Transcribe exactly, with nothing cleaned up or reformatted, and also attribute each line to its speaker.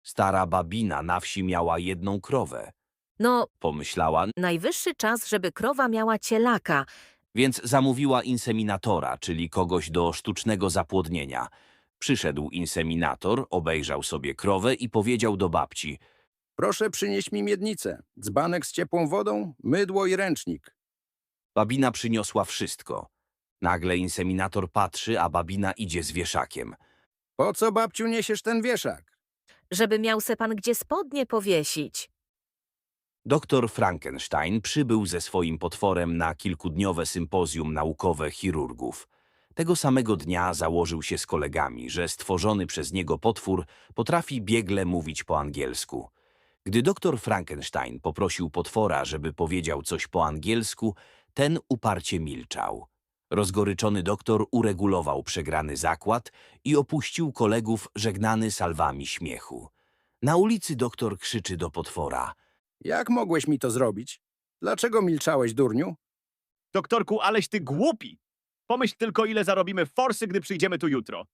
Speaker 1: Stara babina na wsi miała jedną krowę.
Speaker 2: No,
Speaker 1: Pomyślała,
Speaker 2: najwyższy czas, żeby krowa miała cielaka.
Speaker 1: więc zamówiła inseminatora, czyli kogoś do sztucznego zapłodnienia. Przyszedł inseminator, obejrzał sobie krowę i powiedział do babci:
Speaker 3: Proszę przynieść mi miednicę, dzbanek z ciepłą wodą, mydło i ręcznik.
Speaker 1: babina przyniosła wszystko. Nagle inseminator patrzy, a babina idzie z wieszakiem.
Speaker 3: Po co, babciu, niesiesz ten wieszak?
Speaker 2: Żeby miał se pan gdzie spodnie powiesić.
Speaker 1: Doktor Frankenstein przybył ze swoim potworem na kilkudniowe sympozjum naukowe chirurgów. Tego samego dnia założył się z kolegami, że stworzony przez niego potwór potrafi biegle mówić po angielsku. Gdy doktor Frankenstein poprosił potwora, żeby powiedział coś po angielsku, ten uparcie milczał. Rozgoryczony doktor uregulował przegrany zakład i opuścił kolegów żegnany salwami śmiechu. Na ulicy doktor krzyczy do potwora:
Speaker 3: Jak mogłeś mi to zrobić? Dlaczego milczałeś, durniu?
Speaker 4: Doktorku, aleś ty głupi! Pomyśl tylko, ile zarobimy forsy, gdy przyjdziemy tu jutro.